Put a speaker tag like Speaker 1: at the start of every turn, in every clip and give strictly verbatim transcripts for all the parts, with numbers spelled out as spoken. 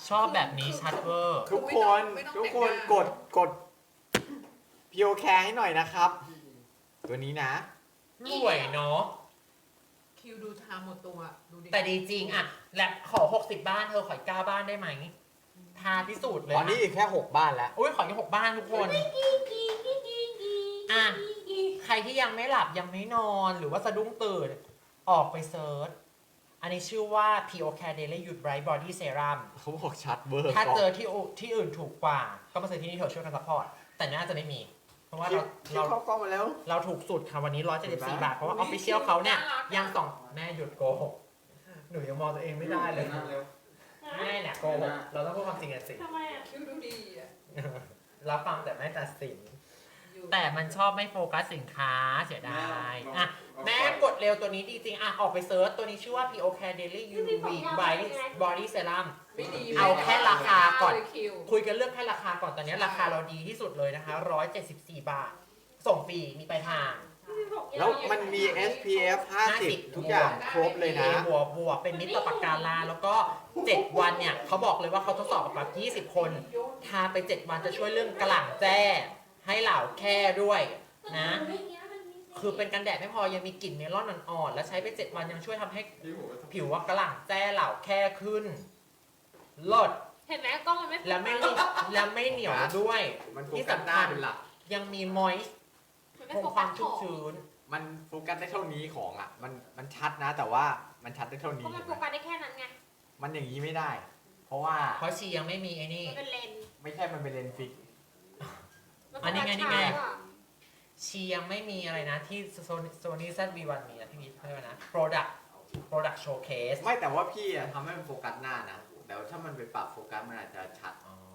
Speaker 1: ชอบแบบนี้ชัดเวอร์
Speaker 2: ทุกคน
Speaker 3: ไม่ต้อง
Speaker 2: ทุกคน
Speaker 3: แต่งหน้า
Speaker 2: กดกดพีโอแคร์ให้หน่อยนะครับ ตัวนี้นะ
Speaker 1: สวยเนาะ
Speaker 3: คิวดูทาหมดตัวดูดิ
Speaker 1: แต่ดีจริงอะแลบขอหกสิบบ้านเธอขออีกเก้าบ้านได้ไหมทาพิสูจน์เลย
Speaker 2: ตอนนี้อีกแค่หกบ้านแล้ว
Speaker 1: อุ้ยขออีกหกบ้านทุกคนอ่ะใครที่ยังไม่หลับยังไม่นอนหรือว่าสะดุ้งตื่นออกไปเซิร์ชอันนี้ชื่อว่า พี โอ Care Daily Youth Bright Body Serum
Speaker 2: เขาบอกชัดเวอร์
Speaker 1: ถ้าเจอที่อื่นที่อื่นถูกกว่า ก็มาซื้อที่นี่เถอะช่วยกันซัพพอร์ตแต่น่าจะไม่มี เพราะว่า
Speaker 2: คิว
Speaker 1: เรา
Speaker 2: คิว
Speaker 1: เรา
Speaker 2: เข้ากล้องมาแล้ว
Speaker 1: เราถูกสุดค่ะวันนี้หนึ่งร้อยเจ็ดสิบสี่บาท เพราะว่าออฟฟิเชียลเขาเนี่ยยังสองแม่หยุดโกหกหนูยังมองตัวเองไม่ได้เลยแม่เนี่ยโกหกเราต้องพูดความจริงกันสิ
Speaker 4: ทำไมอ่ะ
Speaker 3: คิวดูดีอ่ะ
Speaker 1: รับฟังแต่ไม่ตัดสิน
Speaker 3: อยู่
Speaker 1: แต่มันชอบไม่โฟกัสสินค้าเสียดายอ่ะแม่กดเร็วตัวนี้ดีจริงอ่ะออกไปเซิร์ชตัวนี้ชื่อว่า พี โอ Care Daily ยู วี Body Body Serum
Speaker 3: ไม่ดี
Speaker 1: เอาแค่ราคาก่อน
Speaker 3: เลยคิว
Speaker 1: คุยกันเรื่องแค่ราคาก่อนตอนนี้ราคาเราดีที่สุดเลยนะคะหนึ่งร้อยเจ็ดสิบสี่บาท ส่งฟรีมีปลายทาง
Speaker 2: แล้วมันมี เอส พี เอฟ ห้าสิบ ทุกอย่างครบเลยนะ
Speaker 1: บวกบวกเป็นมิตรต่อปากกาลาแล้วก็เจ็ดวันเนี่ยเขาบอกเลยว่าเขาทดสอบกับแบบยี่สิบคนทาไปเจ็ดวันจะช่วยเรื่องกระหล่ำแจ้ให้เหล่าแค่ด้วยนะคือเป็นกันแดดไม่พอยังมีกลิ่นเมลอนอ่อนๆแล้วใช้ไปเจ็ดวันยังช่วยทำให้ผิวว่ากระหล่ำแจ้เหล่าแค่ขึ้นลด
Speaker 4: เห็นไหมกล้องมันไม่
Speaker 1: แล้วไม่แล้วไม่เหนียวด้วย
Speaker 2: มันโฟ
Speaker 1: ที่
Speaker 2: กัส
Speaker 1: สำ
Speaker 2: หน้า
Speaker 1: คัญ
Speaker 2: เป็นหลัก
Speaker 1: ยังมีมอยส์
Speaker 4: มันไม่
Speaker 1: คง
Speaker 4: โฟ
Speaker 1: ค
Speaker 4: กั
Speaker 1: วา
Speaker 4: ส
Speaker 1: ม
Speaker 4: ข
Speaker 1: ชุ่ม
Speaker 4: อง
Speaker 1: ชื้น
Speaker 2: มันโฟกัสได้เท่านี้ของอ่ะ มันมันชัดนะ แต่ว่ามันชัดได้เท่า
Speaker 4: เพ
Speaker 2: นี้
Speaker 4: ราะมันโฟกัสได้แค่นั้นไง
Speaker 2: มันอย่างนี้ไม่ได้ เพราะว่า
Speaker 1: เพราะชียังไม่มีไอ้นี่
Speaker 4: มันเป็นเลนส์
Speaker 2: ไม่ใช่มันเป็นเลนส์ฟิก
Speaker 4: มั
Speaker 1: อันนี้ไงนี่ไง
Speaker 4: โฟกัสช้ากว่า
Speaker 1: ชียังไม่มีอะไรนะที่โซนี่ แซด วี วัน มีนะที่มีเขาเรียกว่านะ product product showcase
Speaker 2: ไม่แต่ว่าพี่อะทำให้มันโฟกัสหน้านะ แต่ว่าถ้ามันไปปรับโฟกัสมันอาจจะชัด
Speaker 1: อ๋อ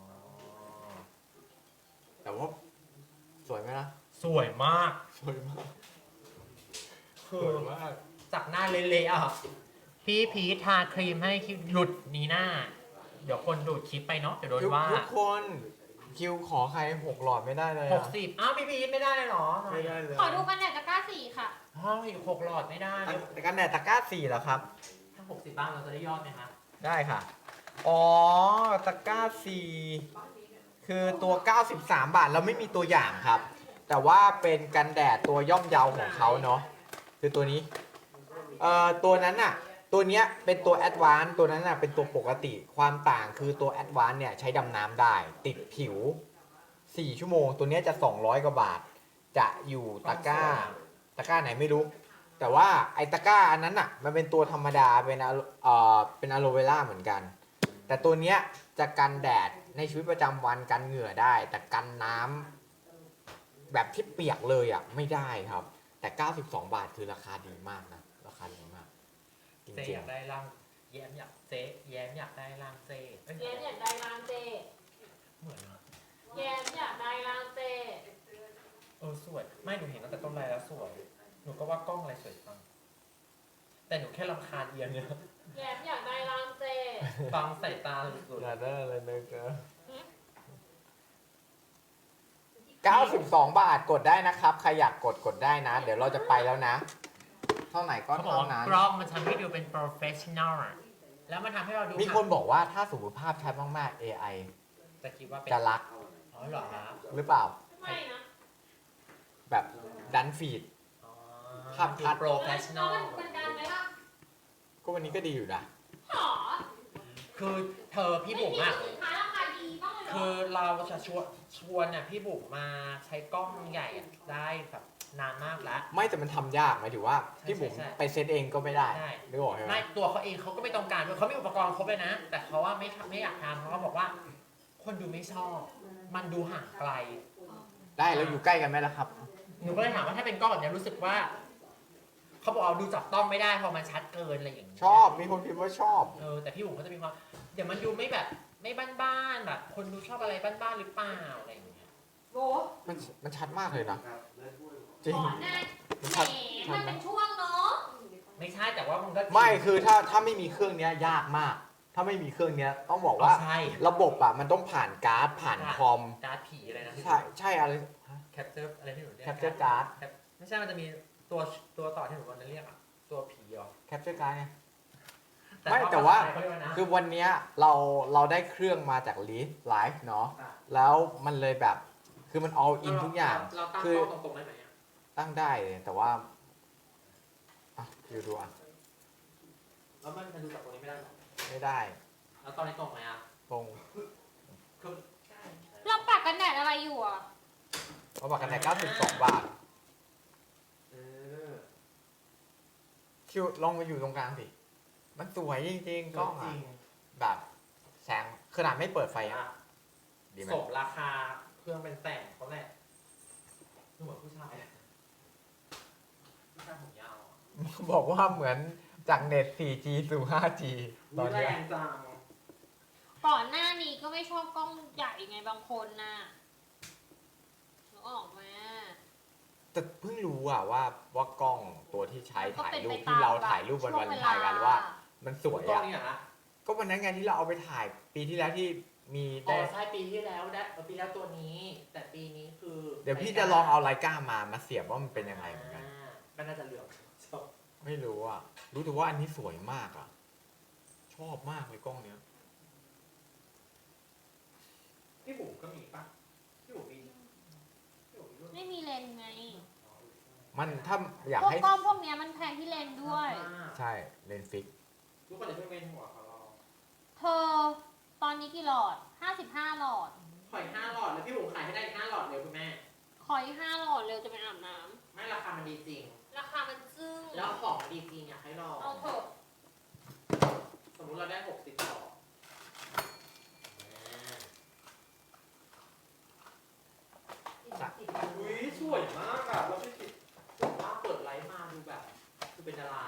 Speaker 2: แต่ว่าสวยไหมล่ะ
Speaker 1: สวยมาก
Speaker 2: สวยมาก
Speaker 1: คือ
Speaker 2: สวยมาก
Speaker 1: จากหน้าเละๆอ่ะ พี่พีททาครีมให้หลุดนี้หน้า เดี๋ยวคนดูดคลิปไปเนาะเดี๋ยวโดน
Speaker 2: ทุก
Speaker 1: ว่า
Speaker 2: ทุกคน คิวขอใครหกหลอดไม่ได้เลย
Speaker 1: ห
Speaker 2: อะ
Speaker 1: กสิบอ้าวพี่พีทไม่ได้เลยเหรอ
Speaker 2: ไม่ได้เลย
Speaker 4: ขอดูกันแดดตะกร้าสี่ค่ะ
Speaker 1: ห้องอีกหกหลอดไม่ได้
Speaker 2: แต่กันแดดตะกร้าสี่เหรอครับ
Speaker 1: ถ้าหกสิบบ้างเราจะได้ยอดไหมคะ
Speaker 2: ได้ค่ะ อ๋อ ตะกร้าสี่คือตัว เก้าสิบสาม บาท เราไม่มีตัวอย่างครับ แต่ว่าเป็นกันแดดตัวย่อมเยาของเขาเนาะ คือตัวนี้ เอ่อ ตัวนั้นน่ะ ตัวเนี้ยเป็นตัวแอดวานซ์ตัวนั้นน่ะเป็นตัวปกติ ความต่างคือตัวแอดวานซ์เนี่ยใช้ดำน้ำได้ ติดผิว สี่ชั่วโมง ตัวเนี้ยจะ สองร้อย กว่าบาท จะอยู่ตะกร้า ตะกร้าไหนไม่รู้ แต่ว่าไอ้ตะกร้าอันนั้นอ่ะ มันเป็นตัวธรรมดา เป็นอะเอ่อ เป็นอะโลเวล่าเหมือนกัน แต่ตัวเนี้ยจะกันแดดในชีวิตประจำวันกันเหงื่อได้ แต่กันน้ำแบบที่เปียกเลยอ่ะไม่ได้ครับ แต่ เก้าสิบสอง บาทคือราคาดีมากนะ ราคาดีมาก จ
Speaker 1: เจ
Speaker 2: ริ
Speaker 1: อง ยากได้ร่างแย้มอยากเจ๊แย้มอยากได้ร่างเจเอ้ย
Speaker 4: แย้มอยากได้ร่างเจ
Speaker 1: เหมือนอะ
Speaker 4: แย้มอยากได้ร่างเจ
Speaker 1: เออสวย ไม่หนูเห็นตั้งแต่ต้นไลน์แล้วสวย หนูก็ว่ากล้องอะไรสวยจังแต่หนูแค่รำคาญเอียงเนี่ย
Speaker 4: แย้มอยากได้ร่างเจ
Speaker 1: ฟังใส่ตาสุด
Speaker 2: ๆอยากได้อะไรเลยเก้าสิบสอง บาทกดได้นะครับ ใครอยากกดกดได้นะ เดี๋ยวเราจะไปแล้วนะ เท่าไหร่ก็
Speaker 1: เขาบอก
Speaker 2: เท่า
Speaker 1: ว่า
Speaker 2: นั้น
Speaker 1: กล้องมันทำให้ดูเป็น professional อะแล้วมันทำให้เราดู
Speaker 2: มีคนบอกว่าถ้าสมมติภาพชัดมากๆ เอ ไอ
Speaker 1: แต่คิดว่าเป็น
Speaker 2: จะรัก
Speaker 1: อ๋อเหรอครับ
Speaker 2: หรือเปล่า
Speaker 4: ไม่นะ
Speaker 2: แบบดันฟีด
Speaker 1: อ๋อ
Speaker 2: ภาพชัด
Speaker 1: ดู professional
Speaker 4: แล้วมันดังไหมล่ะ
Speaker 2: ก็วันนี้ก็ดีอยู่นะ
Speaker 4: หรอ
Speaker 1: คือเธอพี่บุ๋มอะ
Speaker 4: ไม่มีสินค้าราคาดีบ้างเลยเหร
Speaker 1: คือเราจะชวนชวนเนี่ยพี่บุ๋มมาใช้กล้องใหญ่อะได้แบบนานมากแล้ว
Speaker 2: ไม่แต่มันทำยากหมายถึงว่า
Speaker 1: ใช่
Speaker 2: พี่บุ๋ม
Speaker 1: ใช่ใช่
Speaker 2: ไปเซตเองก็ไม่ได้
Speaker 1: ใช่
Speaker 2: นึกออกใช่ไหม
Speaker 1: ไม่ตัวเขาเองเขาก็ไม่ต้องการด้วยเขามีอุปกรณ์ครบเลยนะ แต่เขาว่าไม่ทำไม่อยากทำเพราะเขาบอกว่า คนดูไม่ชอบ มันดูห่างไกล
Speaker 2: ได้แล้วอยู่ใกล้กันไหมล่ะครับ
Speaker 1: หนูก็เลยถามว่าถ้าเป็นกล้องแบบเนี้ยรู้สึกว่าเขาบอกเอาดูจับต้องไม่ได้เพราะมันชัดเกินอะไรอย่างเงี้ย
Speaker 2: ชอบมีคนพิมพ์ว่าชอบ
Speaker 1: เออแต่พี่บุ๋มก็จะมีความเดี๋ยวมันดูไม่แบบไม่บ้านๆแบบคนดูชอบอะไรบ้านๆหรือเปล่าอะไรอย่างเงี้ย
Speaker 4: โบ
Speaker 2: มันมันชัดมากเลยนะ จริง
Speaker 4: ขอหน้า
Speaker 2: มัน
Speaker 4: แห
Speaker 2: ชัด
Speaker 4: มมันเป็นช่วงเนาะ
Speaker 1: ไม่ใช่แต่ว่ามันก็
Speaker 2: ไม่คือถ้าถ้าไม่มีเครื่องเนี้ยยากมาก ถ้าไม่มีเครื่องเนี้ยต้องบอกว่า
Speaker 1: ใช่
Speaker 2: ระบบอ่ะมันต้องผ่านการ์ดผ่านคอม
Speaker 1: การ์ดผีอะไรนะ
Speaker 2: ใช่ใช่อะไร
Speaker 1: แคปเจอร์อะไรที่หนูเรียก
Speaker 2: Capture Card
Speaker 1: ไม่ใช่มันจะมีตัวตัวต่อที่หนูวันนั้นเรียกอะตัวผีเหรอ
Speaker 2: แคปเจอร์การ์ดไงไม่แต่ว่า
Speaker 1: เขเรียกนะ
Speaker 2: คือวันเนี้ยเราเราได้เครื่องมาจากลีฟไลฟ์เนาะ
Speaker 1: อ่ะ
Speaker 2: แล้วมันเลยแบบ คือมัน all in ทุกอย่าง
Speaker 1: เราตั้ง
Speaker 2: คือ
Speaker 1: กล้องตรงๆได้ไหมอะ
Speaker 2: ตั้งได้เลยแต่ว่าอ่ะคิวดูอ่ะ
Speaker 1: แล้วมันจะดูจากตรงนี้ไม่ได้หรอ
Speaker 2: ไม่ได้
Speaker 1: แล้วตอนนี้ตรงไหมอ่ะ
Speaker 2: ตรง
Speaker 1: คือ
Speaker 4: เราปากกันแดดอะไรอยู่อ่ะ
Speaker 2: เขาบอกกันแต่เก้าสิบสองบาท
Speaker 1: เออ
Speaker 2: คิวลองมาอยู่ตรงกลางสิ มันสวยจริงๆกล้อง
Speaker 1: จ
Speaker 2: อ่ะ
Speaker 1: ริง
Speaker 2: แบบแสงขนาดไม่เปิดไฟ
Speaker 1: อ่ะ
Speaker 2: อ่ะ ดีไหม
Speaker 1: สมราคาเครื่องเป็นแสนเขาแหละดูเหมือนผู้ชายอะผู้ชายผมยาวอะ
Speaker 2: บอกว่าเหมือนจากเน็ต โฟร์จี สู่ ไฟว์จี ตอน
Speaker 1: แร
Speaker 2: เนี้ย
Speaker 1: งจัง
Speaker 4: ก่อนหน้านี้ก็ไม่ชอบกล้องใหญ่ไงบางคนน่ะนึกออกไหม
Speaker 2: แต่เพิ่งรู้อ่ะว่าว่ากล้องตัวที่ใช้
Speaker 4: มันก็
Speaker 2: ถ่าย
Speaker 4: เป็น
Speaker 2: รู
Speaker 4: ไป
Speaker 2: ป
Speaker 4: ต
Speaker 2: ที่
Speaker 4: ม
Speaker 2: เรา
Speaker 4: แบบ
Speaker 2: ถ่ายรูปวัน
Speaker 4: ช่
Speaker 2: วัน
Speaker 4: เ
Speaker 2: ถ่ายกันว่า มันสวย
Speaker 1: กล้อง
Speaker 2: อ่ะ
Speaker 1: นี่เหรอนะ
Speaker 2: ก็วันนั้นไงที่เราเอาไปถ่ายปีที่แล้วที่มี
Speaker 1: อ๋อ
Speaker 2: ได้
Speaker 1: ใช่ปีที่แล้วได้ปีแล้วตัวนี้ แต่ปีนี้คือ
Speaker 2: เดี๋ยวพี่จะลองเอาไลกามามาเสียบว่ามันเป็นยังไงเหมือนกัน
Speaker 1: อ่าก็น่าจะเหลืองชอบ
Speaker 2: ไม่รู้อ่ะ รู้แต่ว่าอันนี้สวยมากอ่ะ ชอบมากเลยกล้องเนี้ย
Speaker 1: พี่บุ๋มก็มีป่ะพี่บุ๋มมีพี่บุ๋มมีรุ่น
Speaker 4: ไม่มีเลนส์ไง
Speaker 2: มันถ้าอยาก
Speaker 4: พวก
Speaker 2: ให้
Speaker 4: กล้องพวกเนี้ยมันแพงที่เลนส์ด้วย
Speaker 1: อ่า
Speaker 2: ใช่เลนส์ฟิก
Speaker 1: ทุกคนจะเพิ่งเว้นหัวเขาเรา
Speaker 4: เธอ ตอนนี้กี่หลอด ห้าสิบห้าหลอด
Speaker 1: ขอยห้าหลอดแล้วพี่บุ๋มขายให้ได้อีกห้าหลอดเร็วคุณแม่
Speaker 4: ขออีกห้าหลอดเร็วจะไปอาบน้
Speaker 1: ไม่ราคามันดีจริง
Speaker 4: ำราคามันจึ้ง
Speaker 1: แล้วของมันดีจริงอยากให้ลอง
Speaker 4: เอาเถอะ
Speaker 1: สมมุติเราได้หกสิบหลอดอุ้ยสวยมากอะแล้วพี่ติดผมว่าเปิดไลฟ์มาดูแบบคือเป็นดารา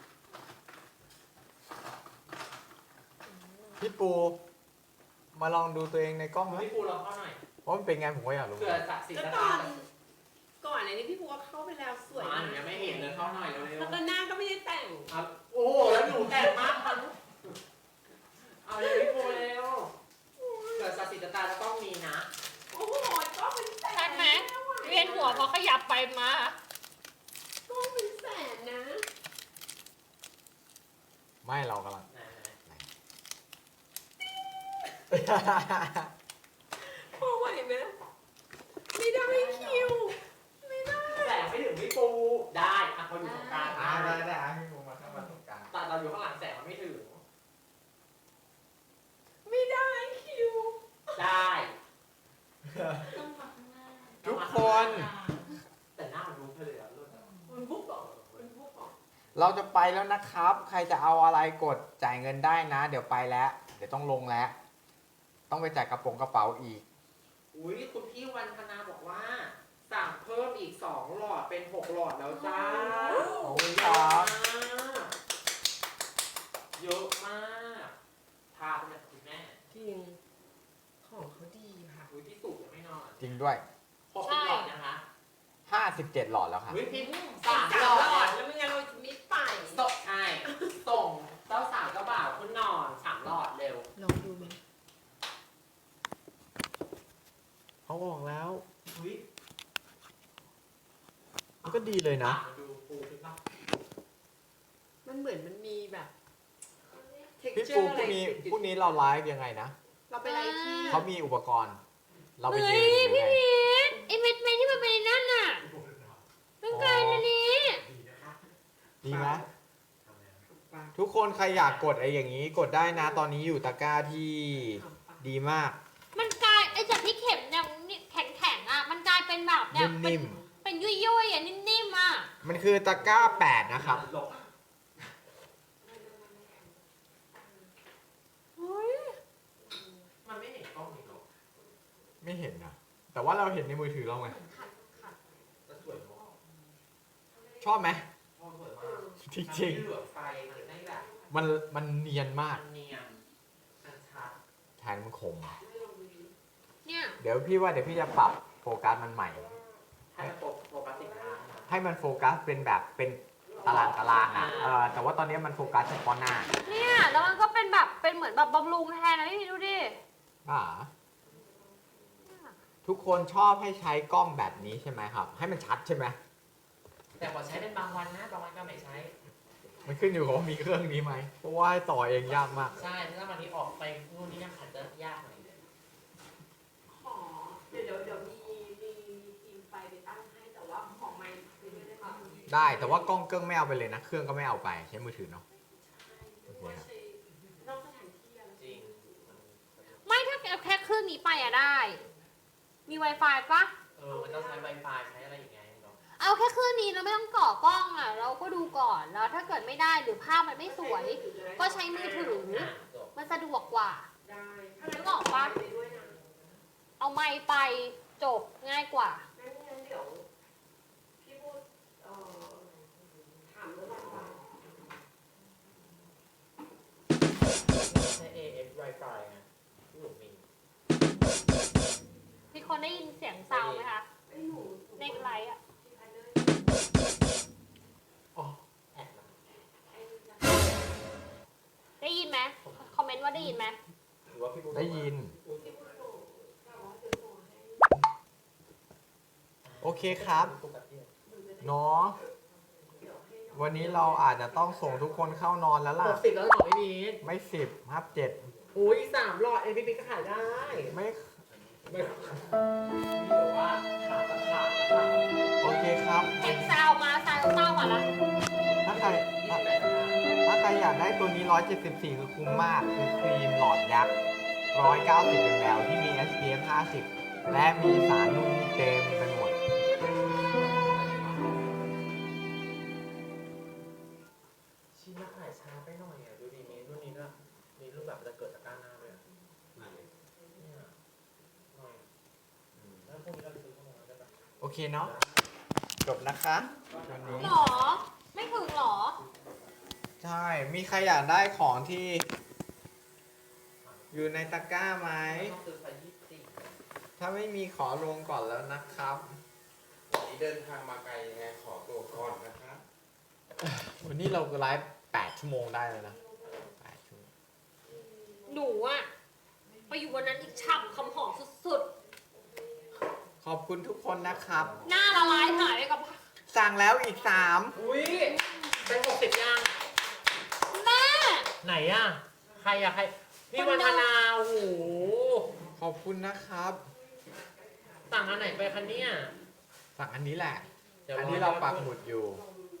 Speaker 2: พี่ปู มาลองดูตัวเองในกล้องไหม
Speaker 1: พี่ปูลองเข้าหน่อย
Speaker 2: ว่ามันเป็นไงผมก็อยากรู้
Speaker 1: เผื่อจากสี
Speaker 3: ก็
Speaker 1: ส
Speaker 3: ต
Speaker 1: ตา
Speaker 3: อ
Speaker 1: ร์
Speaker 3: นก่อนอันนี้พี่พูว่าเข้าไปแล้วสวย
Speaker 1: มาหนูยังไม่เห็นเลยเข้าหน่อยเร็ว
Speaker 3: แล้วก็หน้าก็ไม่ได้แต่ง
Speaker 1: ๆครับโอ้โหแล้วหนูแต่งมากมันเอาเลยพี่ปูเร็วเผื่อจากสีสตาร์จะต้องมีนะ
Speaker 3: โอ้โหก็เป็นแสน
Speaker 4: ชัดไหมเวียนหัวเพราะขยับไปมา
Speaker 3: ก็เป็นแสนนะ
Speaker 2: ไม่เรากำลัง
Speaker 1: ไหน
Speaker 3: พอไหวไหมไม่ได้คิว ไม่ได้
Speaker 1: ๆแต่ไม่ถึงพี่ปูได้อ่ะเขาอยู่ตรงกลาง
Speaker 2: อ่าได้ได้อ่ะพี่ปูมาเข้ามาตรงกลาง
Speaker 1: แต่เราอยู่ข้างหลังแสงมันไม่ถึง
Speaker 3: ไม่ได้คิว
Speaker 1: ได้
Speaker 4: ต้องมาข้างหน้า
Speaker 2: ทุกคน
Speaker 1: แต่หน้ามันรู้ไปเลยอะเลิศอะ
Speaker 3: มันบุกบอกมันบุกบอก
Speaker 2: เราจะไปแล้วนะครับ ใครจะเอาอะไรกดจ่ายเงินได้นะ เดี๋ยวไปแล้ว เดี๋ยวต้องลงแล้ว ต้องไปจ่ายกระโปรงกระเป๋าอีก
Speaker 1: อุ้ยคุณพี่วันธนาบอกว่า สั่งเพิ่มอีกสองหลอดเป็นหกหลอดแล้วจ้า
Speaker 2: ขอบคุณ
Speaker 1: เย
Speaker 2: ครั
Speaker 1: อะ
Speaker 2: บ
Speaker 1: มากเยอะมากทาเป็นแบบคุณแม่
Speaker 3: จริง ของเขาดีค่ะ
Speaker 1: อุ้ยพี่สุยังไม่นอน
Speaker 2: จริงด้วย
Speaker 1: หกสิบหลอดนะคะ
Speaker 2: ห้าสิบเจ็ดหลอดแล้วค่ะ
Speaker 1: อุ้ยพี่
Speaker 3: สา
Speaker 1: สาม ม
Speaker 3: ห
Speaker 1: ห
Speaker 3: ล
Speaker 1: ล
Speaker 3: อ
Speaker 1: อ
Speaker 3: ด
Speaker 1: ด
Speaker 3: แล้วไม่งั้นเราจะไม่ไป
Speaker 1: ส่งใช่ส่งเจ้าสาวเจ้าบ่าวคุณนอนสามหลอดเร็ว
Speaker 3: ลองดูไหม
Speaker 2: เขาบอกแล้ว
Speaker 1: อุ้ย
Speaker 2: มันก็ดีเลยนะ
Speaker 1: มาดูปูขึ้นปะ
Speaker 3: มันเหมือนมันมีแบบ
Speaker 2: พี่
Speaker 3: texture
Speaker 2: ปูพ
Speaker 3: อะไร
Speaker 2: รุ่งนี้พรุ่งนี้เราไลฟ์ยังไงนะ
Speaker 3: เราไปไล่ที่
Speaker 2: เขามีอุปกรณ์ เราไป
Speaker 4: เฮ้
Speaker 2: ยื
Speaker 4: ย
Speaker 2: นหรือ
Speaker 4: พี่
Speaker 2: ไง
Speaker 4: พีทไอเม็ดเม็ดที่มันเป็นในนั่นน่ะต้องการอันนี้
Speaker 1: ดีนะคะ
Speaker 2: ดีไหม
Speaker 1: ทำแล้ว
Speaker 3: ปลา
Speaker 2: ทุกคนใครอยากกดไอ้อย่างนี้ กดได้นะ ตอนนี้อยู่ตะกร้าที่ดีมาก
Speaker 4: มันกลายไอจากที่เข็มเนี่ยแข็งแข็งๆอ่ะ มันกลายเป็นแบบเนี่ยเป็น
Speaker 2: นิ่ม
Speaker 4: เป็นยุ่ยยุ่ยๆอ่ะนิ่มๆอ่ะ
Speaker 2: ๆ มันคือตะกร้าแปดนะครับ
Speaker 1: หลบ
Speaker 4: เฮ้ย
Speaker 1: มันไม่เห็นกล้องนี่หรอก
Speaker 2: ไม่เห็นนะ แต่ว่าเราเห็นในมือถือเราไง
Speaker 1: แต่สวยมาก
Speaker 2: ชอบไหม
Speaker 1: ชอบสวยมาก
Speaker 2: จริง
Speaker 1: มันไม่เหลือบไฟมันไม่แบบ
Speaker 2: ๆ มันมันเนียนมาก
Speaker 1: มันเนียนมันชัด
Speaker 2: แทนมันคม
Speaker 4: เนี่ย
Speaker 2: เดี๋ยวพี่ว่าเดี๋ยวพี่จะปรับโฟกัสมันใหม่
Speaker 1: ให้มันโฟโฟกัสสินค้านะ
Speaker 2: ให้มันโฟกัสเป็นแบบเป็นตารางตารางอ่ะเออแต่ว่าตอนนี้มันโฟกัสเฉพาะหน้า
Speaker 4: เนี่ยแล้วมันก็เป็นแบบเป็นเหมือนแบบบำรุงแทนนะพี่พีทดูดิ
Speaker 2: อ่าทุกคนชอบให้ใช้กล้องแบบนี้ใช่ไหมครับ ให้มันชัดใช่ไหม
Speaker 1: แต่ขอใช้เป็นบางวันนะบางวันก็ไม่ใช้
Speaker 2: มันขึ้นอยู่กับว่ามีเครื่องนี้ไหมเพราะว่าให้ต่อเองยากมาก
Speaker 1: ใช่ถ้าวันนี้ออกไปนู่นนี่นั่นอาจจะยากหน่อย
Speaker 3: ขอเดี๋ยวเดี๋ยวเดี๋ยวมีมีมีทีมไฟไปตั้งให้แต่ว่าของไมค์คือไม่ได้มา
Speaker 2: ได้แต่ว่ากล้องเครื่องไม่เอาไปเลยนะเครื่องก็ไม่เอาไปใช้มือถือเนาะโอเคครับ
Speaker 3: นอกสถานที่อะไร
Speaker 1: จริง
Speaker 4: ไม่ถ้าเอาแค่เครื่องนี้ไปอะได้ มี Wi-Fi ปะ
Speaker 1: เออมันต้องใช้ Wi-Fi ใช้อะไรอย่างเงี้ยเนาะ
Speaker 4: เอาแค่เครื่องนี้เราไม่ต้องก่อกล้องอะเราก็ดูก่อนแล้วถ้าเกิดไม่ได้หรือภาพมันไม่สวย ก็ใช้มือถือ
Speaker 1: อ่ะจบ
Speaker 4: มันสะดวกกว่า
Speaker 3: ได้
Speaker 4: นึกออกปะ
Speaker 3: ไปด้วยนะ
Speaker 4: เอาไมค์ไปจบง่ายกว่า
Speaker 3: งั้นงั้นเดี๋ยวพี่พูดเอ่อถามเรื่องวันวัน
Speaker 1: ใช้ เอ เอฟ Wi-Fi ไงที่ผมมี
Speaker 4: พี่คนได้ยินเสียงซาวด์ไหมคะ
Speaker 3: ไอ้ยหนู
Speaker 4: ในไลฟ์อะ
Speaker 3: ที่พันเนอร์
Speaker 1: อ๋อแอบมา
Speaker 3: ไอ้นี่นะ
Speaker 4: ได้ยินไหมคอมเมนต์ว่าได้ยินไหม
Speaker 1: หรือว่าพี่บุ๊ค
Speaker 2: ได้ยิน
Speaker 3: ที่พูดส่งแต่ว่าจะส่งให้
Speaker 2: โอเคครับ
Speaker 3: หนูจะได้
Speaker 2: เนาะ
Speaker 3: เดี๋ยวให้น้อง
Speaker 2: วันนี้เราอาจจะต้องส่งทุกคนเข้านอนแล้ว
Speaker 1: ห
Speaker 2: ล่ะ
Speaker 1: กสิบแล้วเหรอไม่มี
Speaker 2: ไม่สิบครับเจ็ด
Speaker 1: อุ้ยสามหลอดเอ็นพีพีก็ขายได้
Speaker 2: ไม่
Speaker 1: ไม่มีหรือว่าขาดตะขาดตะขาด
Speaker 2: โอเคครับ
Speaker 4: เสียงซาวด์มาซาวด์เต้ามาละ
Speaker 2: ถ้าใคร
Speaker 1: ยี่
Speaker 2: ถ้า
Speaker 1: สิบแปด
Speaker 2: ถ้าใครอยากได้ตัวนี้ หนึ่งร้อยเจ็ดสิบสี่ คือคุ้มมาก คือครีมหลอดยักษ์ หนึ่งร้อยเก้าสิบ มล ที่มี เอส พี เอฟ ห้าสิบ และมีสารนู่นนี่เต็มไปหมด
Speaker 1: ชิ้นละขายช้าไปหน่อยอ่ะดูดีมีรุ่นนี้ด้วยมีรุ่นแบบจะเกิดจากก้านหน้าด้วยอะเนี่ยหน่อยแล้วพวกนี้เราไปซื้อเข้ามาได้ปะ
Speaker 2: โอเคเนาะ จบนะคะวันนี้
Speaker 4: หรอ ไม่ถึงหรอ
Speaker 2: ใช่ มีใครอยากได้ของที่ อยู่ในตะกร้าไหม
Speaker 1: ต้องซื้อไซส์ยี่สิบสี่
Speaker 2: ถ้าไม่มีขอลงก่อนแล้วนะครับ
Speaker 5: วันนี้เดินทางมาไกลยังไงขอตัวก่อนนะครับ
Speaker 2: วันนี้เราไลฟ์แปดชั่วโมงได้เลยนะแปดชั่วโมง
Speaker 4: หนูอะไปอยู่วันนั้นอีกฉ่ำคำหอมสุด
Speaker 2: ขอบคุณทุกคนนะครับ
Speaker 4: ๆ หน้าละลายหายไปกับ
Speaker 2: สั่งแล้วอีกสาม
Speaker 1: อุ้ยเป็นหกสิบยัง
Speaker 4: แม่
Speaker 1: ไหนอ่ะ ใครอ่ะ ใคร พี่วันธนาโอ้โห
Speaker 2: ขอบคุณนะครับ
Speaker 1: สั่งอันไหนไปคะเนี่ย
Speaker 2: สั่งอันนี้แหละ
Speaker 1: ดี๋ยว
Speaker 2: อันนี้เราปักหมุดอยู่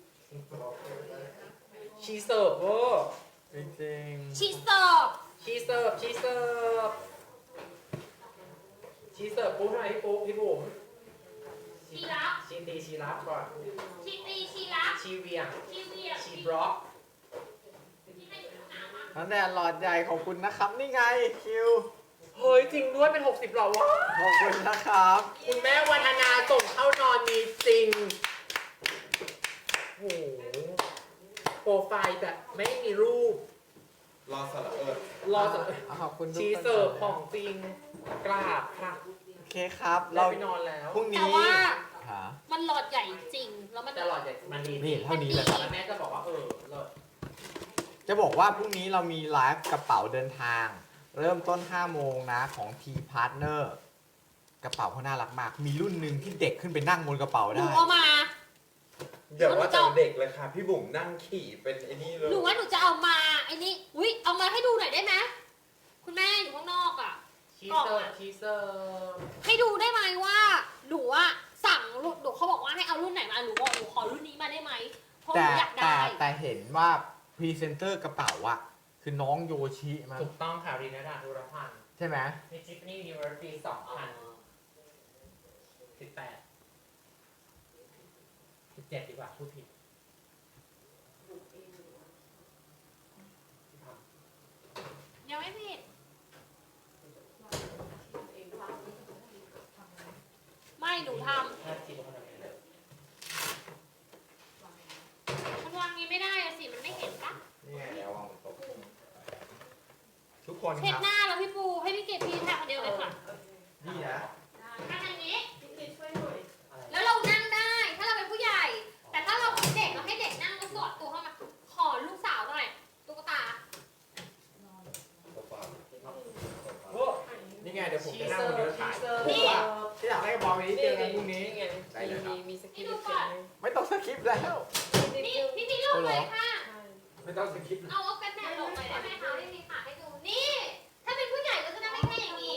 Speaker 1: ชีเสิร์ฟเวอร์
Speaker 2: จริง
Speaker 4: ชีเสิร์ฟ
Speaker 1: ชีเสิร์ฟชีเสิร์ฟชีเสิร์ฟปุ๊บทำไมพี่ปุ๊บพี่บุ๋ม
Speaker 4: ชีรับ
Speaker 1: ชีตีชีรับก่อน
Speaker 4: ชีตีชีรับ
Speaker 1: ชีเวียง
Speaker 4: ชีเวีย
Speaker 1: ชีบล็อก
Speaker 4: ชีให้หนูหนาวอะ
Speaker 2: ๆนั่นแหละหลอดใหญ่ขอบคุณนะครับ นี่ไงคิว
Speaker 1: เฮ้ยจริงด้วยเป็นหกสิบหรอวะ
Speaker 2: ขอบคุณนะครับ
Speaker 1: คุณแม่วันธนาส่งเข้านอนมีจริงโอ้โหโปรไฟล์แบบไม่มีรูป
Speaker 5: รอสระเอิด
Speaker 1: รอสัก
Speaker 2: ขอบคุณทุกคน
Speaker 1: ชีเสิร์ฟของจริงกราบค่ะ
Speaker 2: โอเคครับ
Speaker 1: เรา
Speaker 2: เรา
Speaker 1: ไปนอนแล้ว
Speaker 2: พรุ่ง
Speaker 4: แต่
Speaker 2: นี้
Speaker 4: ว่า
Speaker 2: หา
Speaker 4: มันหลอดใหญ่จริง แล้วมัน
Speaker 1: แต่หลอดใหญ่มันดี
Speaker 2: นี่เท่านี้เลยครับ
Speaker 1: แล้วแม่จะบอกว่าเออเลิศ
Speaker 2: จะบอกว่าพรุ่งนี้เรามีไลฟ์กระเป๋าเดินทาง เริ่มต้นห้าโมงนะของ T Partner กระเป๋าเขาน่ารักมาก มีรุ่นหนึ่งที่เด็กขึ้นไปนั่งบนกระเป๋า
Speaker 4: หนู
Speaker 2: ได้
Speaker 4: เอามา
Speaker 5: เดี๋ยวว่าจะเด็กเลยค่ะ พี่บุ๋มนั่งขี่เป็นไอ้นี่เลย
Speaker 4: หนูว่าหนูจะเอามาไอ้นี่อุ้ยเอามาให้ดูหน่อยได้ไหมคุณแม่อยู่ข้างนอกอ่ะ
Speaker 1: ชีเสิร์ฟชีเสิร์ฟ
Speaker 4: ให้ดูได้ไหมว่าหนูอะสั่งรุ่นหนูเขาบอกว่าให้เอารุ่นไหนมาหนูบอกหนูขอรุ่นนี้มาได้ไหมเพราะห
Speaker 2: แต่
Speaker 4: นูอยาก
Speaker 2: แต่
Speaker 4: ได้
Speaker 2: แต่เห็นว่าพรีเซนเตอร์กระเป๋าอะคือน้องโยชิมั้ง
Speaker 1: ถูกต้องค่ะรีนาดาธุรพันธ์
Speaker 2: ใช่ไหม
Speaker 1: ในจิฟนี่ยูนิเวอร์ซิตี้สองพันสิบแปดสิบเจ็ดดีกว่าพูดผิด
Speaker 4: ยังไม่ผิดไม่หนูท
Speaker 1: ถ้าจิฟเขาทำยังไง
Speaker 4: ำมันวางนี้ไม่ได้อะสิมันไม่เห็นปะ
Speaker 2: นี่ไงแล้ววางบนโต๊ะทุกคน
Speaker 4: เช็ด
Speaker 2: ครับ
Speaker 4: หน้าแล้วพี่ปูให้พี่เกดพี่แทนคนเดียวเลยค่ะ
Speaker 2: นี่นะ
Speaker 4: ทำอย่างนี้
Speaker 3: พี่คิดช่วยหน่อย
Speaker 1: อะไร
Speaker 4: แล้วเรานั่งได้ ถ้าเราเป็นผู้ใหญ่ แต่ถ้าเราเป็นเด็กเราให้เด็กนั่งแล้วสอดตัวเข้ามา ขอลูกสาวหน่อยตุ๊กตา
Speaker 1: โอ้
Speaker 2: นี่ไงเดี๋ยวผม
Speaker 1: ชี
Speaker 2: จะนั่ง
Speaker 1: เสิ
Speaker 2: บ
Speaker 1: ร์
Speaker 2: น
Speaker 1: ฟ
Speaker 2: เรือ
Speaker 1: ชี
Speaker 2: ถ่าย
Speaker 1: เสิร์ฟ
Speaker 2: ผมว่าที่อยากได้กระเป๋าใบนี้เจอกันพรุ่งนี้
Speaker 1: ไง
Speaker 2: ได้เลยครับ
Speaker 3: มีมีสกิล
Speaker 4: นี่ดู
Speaker 3: เขี
Speaker 4: ก่
Speaker 3: ย
Speaker 4: อน น
Speaker 3: ไหม
Speaker 2: ไม่ต้องสคริปต์แล้ว
Speaker 4: นี่พี่พี่ลูกเลยค่ะ
Speaker 3: ใช่
Speaker 2: ไม่ต้องสคริปต์
Speaker 4: เอาเอากันแดดลงหน่อยได้ไหมคะไม่มีขาให้ดูนี่ ถ้าเป็นผู้ใหญ่ก็จะได้ไม่แค่อย่างนี้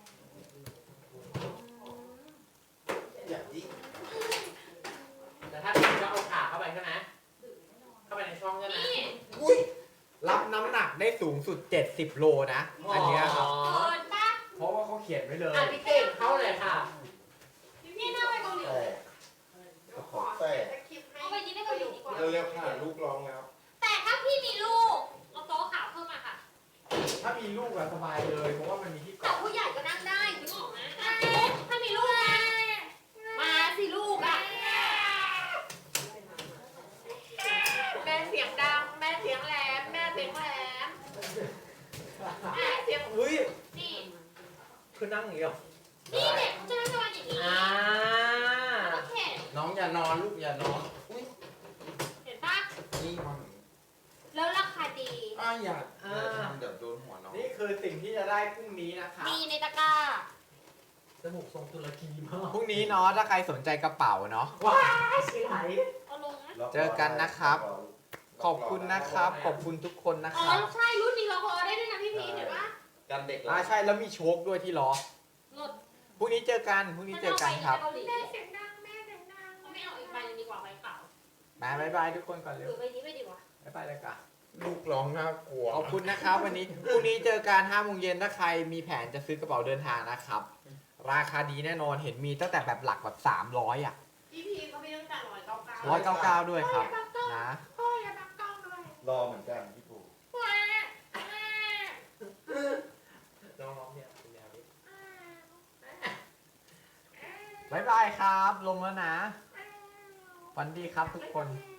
Speaker 5: อย่างนี้
Speaker 1: แต่ถ้าพี่จะเอาขาเข้าไปใช่ไหมเข้าไปในช่องใช่ไหม
Speaker 4: นี่
Speaker 2: อุ้ยรับน้ำหนักได้สูงสุด เจ็ดสิบ โลนะ อันเนี้ยครับ
Speaker 4: เกินปะ
Speaker 2: เพราะว่าเขาเขียนไว้เลย
Speaker 1: อ่ะพี่เก่งเข้าเลยค่ะ
Speaker 4: นี่น่าไปเกาหลี
Speaker 5: แต่กระเป๋าแต่
Speaker 3: จะคลิปให้
Speaker 4: เอาไปยิ้มให้เกาหลีดีกว่า
Speaker 5: เร็วๆค่ะลูกร้องแล้ว
Speaker 4: แต่ถ้าพี่มีลูก เอาโต๊ะขาวเพิ่มมาค่ะ
Speaker 2: ถ้ามีลูกอะสบายเลย เพราะว่ามันมีที่
Speaker 4: แต่
Speaker 2: เกาะ
Speaker 4: ผู้ใหญ่ก็นั่งได้ถึงออกนะถ้ามีลูกนะมาสิลูกอ่ะ
Speaker 3: แม่เสียงดัง แม่เสียงแหลม แม่เสียงแหลม แม่เสียง
Speaker 2: อุ้ย
Speaker 4: นี่
Speaker 2: คือนั่งอย่างนี้เหรอ
Speaker 4: นี่เด็กเขาจะนั่งสมาธิอย่างนี้
Speaker 1: อ่า
Speaker 4: แล้วก็เข็น
Speaker 5: น้องอย่านอนลูกอย่านอน อุ้ย
Speaker 4: เห็นปะ
Speaker 5: นี่มัน
Speaker 4: แล้วราคาดี
Speaker 5: อ้าอย่าอย่าทำเดี๋ยวโดนหัวน้อง
Speaker 2: นี่คือสิ่งที่จะได้พรุ่งนี้นะครับ
Speaker 4: มีในตะกร้า
Speaker 1: จมูกทรงตุรกีมาก
Speaker 2: พรุ่งนี้เนาะ ถ้าใครสนใจกระเป๋าเนาะ
Speaker 1: ว้ายชิไหล
Speaker 4: เอาลงนะ
Speaker 2: เจอกันนะครับ ขอบคุณนะครับ ขอบคุณทุกคนนะ
Speaker 4: อ๋
Speaker 2: ค
Speaker 4: อ
Speaker 2: รับ
Speaker 4: ใช่รุ่นนี้เราพอได้ด้วยนะพี่พีชเห็นปะ
Speaker 5: กันเด็ก
Speaker 2: อ่าใช่แล้วมีโชคด้วยที่ล้อ
Speaker 4: หลด
Speaker 2: พรุ่งนี้เจอกัน พรุ่งนี้เจอกันครับ
Speaker 4: แม่
Speaker 3: แม่เสียงดัง แม่เสียงดัง
Speaker 4: ไม่เอาอีกใบนึงดีกว่าใบเปล่า
Speaker 2: บายบายบายทุกคนก่อน
Speaker 4: ห
Speaker 2: เร็
Speaker 4: รื
Speaker 2: ว
Speaker 4: อใบนี้ไม่ดีวะ
Speaker 2: บายบายเลยกัน
Speaker 5: ลูกร้องน่ากลัว
Speaker 2: ขอบคุณนะครับ วันนี้ พรุ่งนี้เจอกันห้าโมงเย็นถ้าใครมีแผนจะซื้อกระเป๋าเดินทางนะครับ ราคาดีแน่นอน เห็นมีตั้งแต่แบบหลักแบบสามร้อยอ่ะ
Speaker 3: พี่พีเขาไม่ต้องการร้อยเก้าเก้า
Speaker 2: ร้อยเก้าเก้าด้วยครับ นะ
Speaker 3: พ่ออย่าบังกล้องด้วย
Speaker 5: รอเหมือนกันพี่ปู
Speaker 1: น้องๆเนี่ยเป็นแนวนี้
Speaker 2: บายบายครับ ลงแล้วนะ วันดีครับทุกคน
Speaker 3: แ